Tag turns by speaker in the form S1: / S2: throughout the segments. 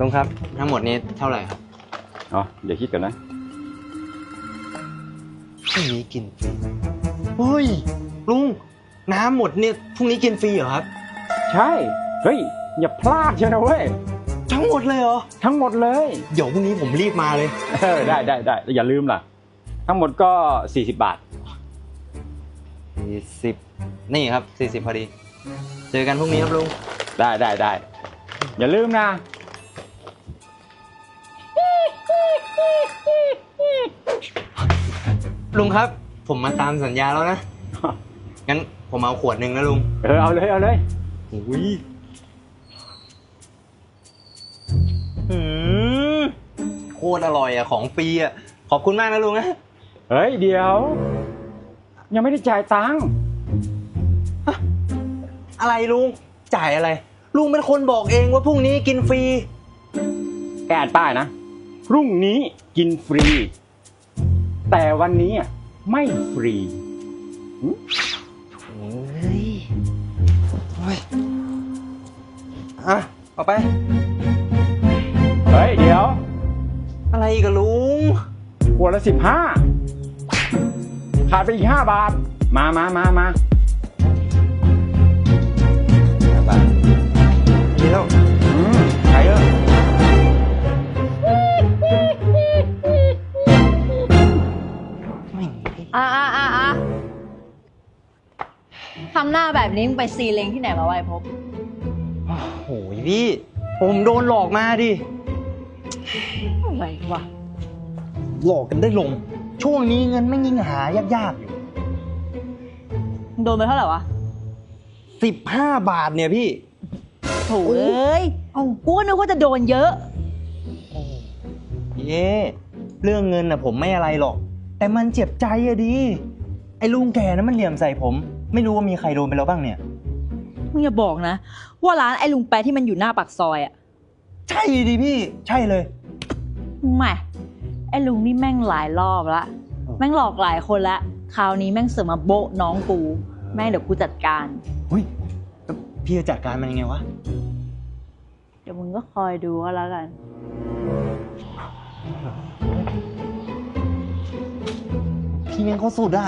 S1: ลุงครับทั้งหมดนี้เท่าไหร่ครับ
S2: อ๋อเดี๋ยวคิดก่อนนะ
S1: พรุ่งนี้กินฟรีเฮ้ยลุงน้ำหมดเนี่ยพรุ่งนี้กินฟรีเหรอครับ
S2: ใช่เฮ้ยอย่าพลาดเชียวนะเว้ย
S1: ทั้งหมดเลยเหรอ
S2: ทั้งหมดเลย
S1: เดี๋ยวพรุ่งนี้ผมรีบมาเลย
S2: ได้อย่าลืมล่ะทั้งหมดก็40 บาท
S1: 40นี่ครับ40พอดีเจอกันพรุ่งนี้ครับลุง
S2: ได้อย่าลืมนะ
S1: ลุงครับผมมาตามสัญญาแล้วนะงั้นผมเอาขวดหนึ่งนะลุง
S2: เอาเลย
S1: อุ้ยโคตรอร่อยอ่ะของฟรีอ่ะขอบคุณมากนะลุงนะ
S2: เฮ้ยเดี๋ยวยังไม่ได้จ่ายตังค์
S1: อะไรลุงจ่ายอะไรลุงเป็นคนบอกเองว่าพรุ่งนี้กินฟรี
S2: แกอ่านป้ายนะพรุ่งนี้กินฟรีแต่วันนี้ไม่ฟรี
S1: เอาไป
S2: เฮ้ยเดี๋ยว
S1: อะไรกับลุง
S2: ขวดละ15ขาดไปอีก5 บาทมา
S1: 5 บาทนี่แล้ว
S2: ใช่เอ
S3: ทำหน้าแบบนี้มึงไปซีเล้งที่ไหนมาไว้พบ
S1: โอ้โหพี่ผมโดนหลอกมาดิ
S3: อะไรวะ
S1: หลอกกันได้ลงช่วงนี้เงินไม่ยิ่งหายากๆอยู่
S3: โดนไปเท่าไหร่วะ
S1: 15 บาทเนี่ยพี่
S3: โถ่เอ้ยกูก็นึกว่าจะโดนเยอะ
S1: เรื่องเงินน่ะผมไม่อะไรหรอกแต่มันเจ็บใจอะดิไอ้ลุงแกนั้นมันเหลี่ยมใส่ผมไม่รู้ว่ามีใครโดนไปแล้วบ้างเนี่ย
S3: มึงอย่าบอกนะว่าร้านไอ้ลุงแปะที่มันอยู่หน้าปากซอยอ่ะ
S1: ใช่ดิพี่ใช่เลย
S3: แม่ไอ้ลุงนี่แม่งหลายรอบละแม่งหลอกหลายคนละคราวนี้แม่งเสือกมาโบะน้องกูแม่งเดี๋ยวกูจัดการ
S1: เฮ้ยพี่จะจัดการมันยังไงวะ
S3: เดี๋ยวมึงก็คอยดูก็แล้วกัน
S1: พี่แม่งเขาสุดอะ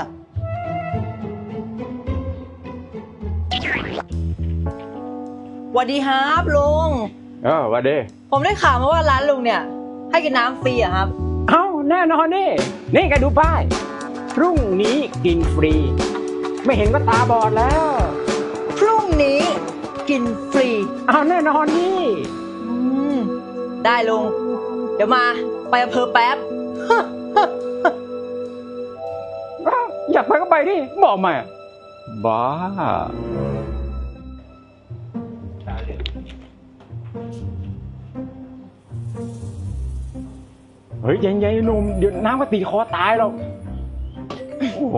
S3: สวัสดีครับลุง
S2: สวัสดี
S3: ผมได้ข่าวมาว่าร้านลุงเนี่ยให้กินน้ำฟรีอะครับ
S2: เอ้าแน่นอนนี่แกดูป้ายพรุ่งนี้กินฟรีไม่เห็นก็ตาบอดแล้ว
S3: พรุ่งนี้กินฟรี
S2: เอาแน่นอนนี่
S3: ได้ลุงเดี๋ยวมาไปอำเภอแป๊บ
S2: อยากไปก็ไปดิบอกมาบ้าเฮ้ยยังหนุ่มเดี๋ยวน้ำก็ตีคอตายหรอกโอ้โห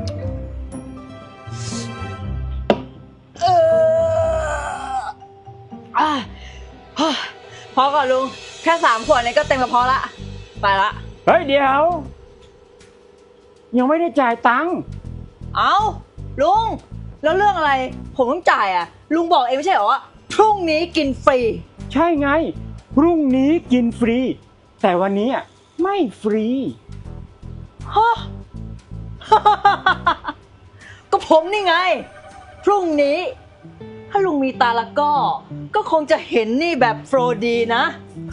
S3: พอก่อนลุงแค่3 ขวดนี้ก็เต็มกระเพาะละไปละ
S2: เฮ้ยเดี๋ยวยังไม่ได้จ่ายตังค์
S3: เอ้าลุงแล้วเรื่องอะไรผมต้องจ่ายอ่ะลุงบอกเองไม่ใช่เหรอว่าพรุ่งนี้กินฟรี
S2: ใช่ไงพรุ่งนี้กินฟรีแต่วันนี้ไม่ฟรี
S3: ฮะก็ผมนี่ไงพรุ่งนี้ถ้าลุงมีตาละก็คงจะเห็นนี่แบบโฟร์ดีนะ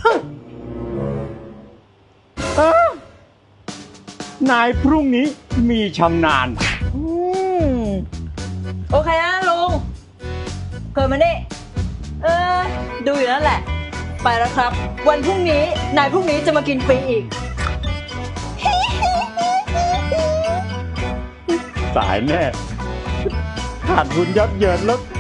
S2: นายพรุ่งนี้มีชำนาญ
S3: โอเคนะลุงเกิดมานี่ดูอยู่นั่นแหละไปแล้วครับวันพรุ่งนี้นายพรุ่งนี้จะมากินฟรีอีก
S2: สายแน่ขาดทุนยับเยินแล้ว